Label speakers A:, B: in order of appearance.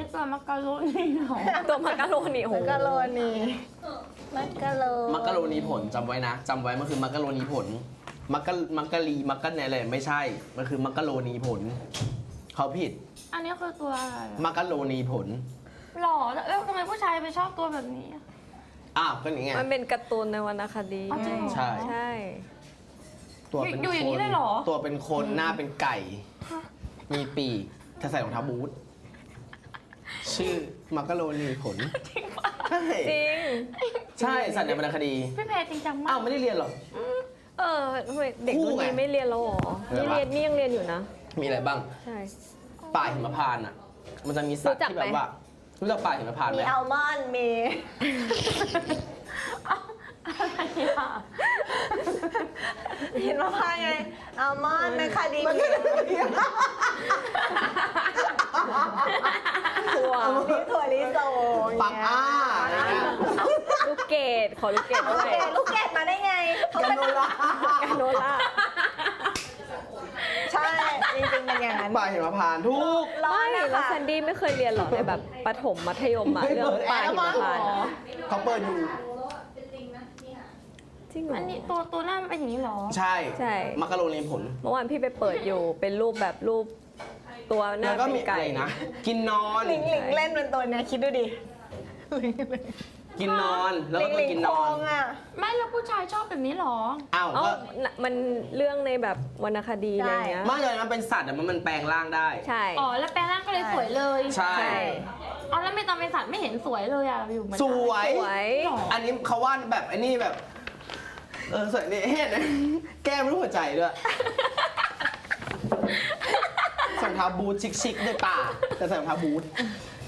A: นี้ตัวมักกะโรนีเหรอ
B: ตัวมักกะโรนีโอ้โห
C: มักกะโรนีมักกะโร
D: มักกะโรนีผลจำไว้นะจำไว้มันคือมักกะโรนีผลมักกะลีมักกะเนี่ยอะไรไม่ใช่มันคือมักกะโรนีผลเขาผิด
A: อันนี้คือตัวอะไรอะ
D: มักกะโรนีผล
A: หล่อแล้วทำไมผู้ชายไปชอบตัวแบบนี้อะ
D: อ้าวก็อย่างเงี้ย
B: มันเป็นการ์ตูนในวรรณคดี
A: อ๋อจริงเหรอ
D: ใช่
B: ใช่
D: ตัวเป็น
A: อยู่อย่างนี้
D: คน
A: เลยเหรอ
D: ตัวเป็นคนหน้าเป็นไก่ มีปีกจะใส่รองเท้าบูทชื่อมักกะโรนีผลใช่
B: จริง
D: ใช่สัตว์ในวรรณคดี
A: พี่เพจจริงจังมา
D: อ้าก วไม่ได้เรียนเหรอ
B: ทำไมเด็ก
D: คู่
B: รุ่น
D: ไง
B: นี้ไม่เรียนแล้วหรอ
D: เรียน
B: นี่
D: ปะ
B: เรียนนี่ยังเรียนอยู่นะ
D: มีอะไรบ้าง
B: ใช่
D: ป่าหิมพานต์อ่ะ มันจะมีสัตว์
B: รู้จัก
D: ที่แบบ
B: ไหม
D: ว่ารู้จักป่าหิมพานต์ไห
C: มี
D: ม
C: อัลมอนด์มี
A: อะไรอะ
C: เห็นมะพร้าวไงอัลมอนด์แมคคาเดเมีย
B: ถั่ว
C: มีถั่วลิสง
D: ปักอ้าอะไรเงี้ย
B: ลูกเกดขอลูกเกด
C: โอ
B: ด้วย
C: เคลูกเกดมาได้ไงเขา
D: กา
C: เป็น
D: โนล่าก
B: าโนล่า
C: ใช่จริงๆเป็นอย่างนั้น
D: ป่าหิมพานต์ทุก
C: ร้อ
B: ไม่
C: นนะ
B: แล้ว
C: คะ
B: แซนดี้ไม่เคยเรียนหรอในแบบประถมมัธยมอะเรื่องป่าหิมพานต์
D: เขาเปิดอยู่
B: จริงเหรอ
A: อันนี้ตัวหน้ามันเป็นอย่างนี้เหรอ
D: ใช่
B: ใช่
D: มักกะโรนีผล
B: เมื่อวานพี่ไปเปิดอยู่เป็นรูปแบบรูปตัวหน้า
D: แล้วก็
B: เป็
D: มี
B: น
D: อะ
B: ไก่
D: ไรนะ กินนอน
C: หลิงหลิงเล่นเป็นตัวเนี้ยคิดดูดิ
D: กินนอน แล้ว
C: หลิ
D: ก็
C: งห
D: ตัว
C: ลิง
D: กิน
C: โคน
D: อน
C: งอ่ะ
A: ไม่แล้วผู้ชายชอบแบบนี้เหรอ
D: อ้าว
B: เอ้า
D: ก็
B: มันเรื่องในแบบวรรณคดีอะไรเงี้ย
D: ไม่เลยมันเป็นสัตว์แต่มันแปลงร่างได้
B: ใช่
A: อ๋อแล้วแปลงร่างก็เลยสวยเลย
D: ใช่
B: ใช่
A: อ๋อแล้วไม่ตอนเป็นสัตว์ไม่เห็นสวยเลยอะอยู่เหมือน
D: สวย
B: สวย
A: หรอ
D: อันนี้เขาวาดแบบไอ้นี่แบบ สวยนี่เห็นไหมแก้มรูปหัวใจด้วยใส่รองเท้าบูทชิคๆในป่าแต่ใส่รองเท้าบูท